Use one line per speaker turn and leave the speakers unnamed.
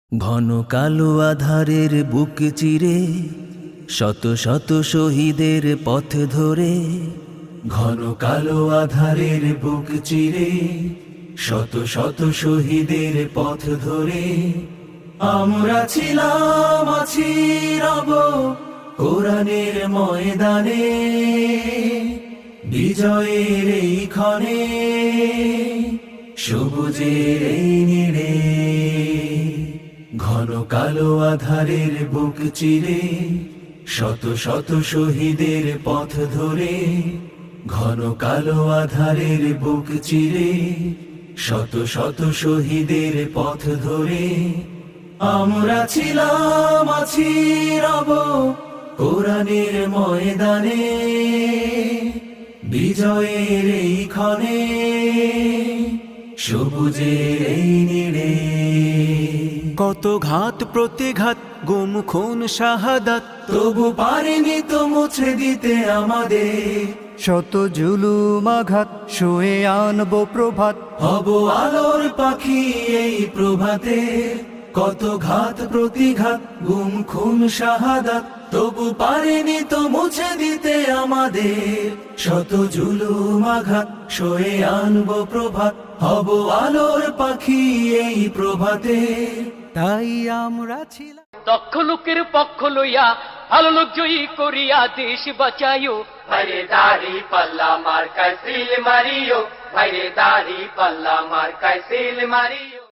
ঘন কালো আধারের বুক চিরে শত শত শহীদের পথ ধরে, ঘন কালো আধারের বুক চিরে শত শত শহীদের পথ ধরে আমরা ছিলাম, আছি, রব কোরআনের ময়দানে। বিজয়ের এই ক্ষণে সবুজের এই নীড়ে, ঘন কালো আধারের বুক চিরে শত শত শহীদের পথ ধরে, ঘন কালো আধারের বুক চিরে শত শত শহীদের পথ ধরে আমরা ছিলাম, আছি, রব কোরআনের ময়দানে। বিজয়ের এই ক্ষণে সবুজের এই নীড়ে,
কত ঘাত প্রতিঘাত, গুম খুন শাহাদাত,
তবু পারেনি তো মুছে দিতে আমাদের।
শত জুলুম আঘাত, শুয়ে আনবো প্রভাত,
হব আলোর পাখি এই প্রভাতে। কত ঘাত প্রতিঘাত, গুম খুন শাহাদাত, তবু পারেনি তো মুছে দিতে আমাদের। শত জুলুম আঘাত, সয়ে আনবো প্রভাত, হব আলোর পাখি এই প্রভাতে।
তাই আমরা ছিলাম
দক্ষ লোকের পক্ষ লইয়া ভালো লোক জয়ী করিয়া দেশ বাঁচাইও। ভাইরে দাড়ি পাল্লা মার্কায় সিল মারিও, ভাইরে দাড়ি পাল্লা মার্কায় সিল মারিও।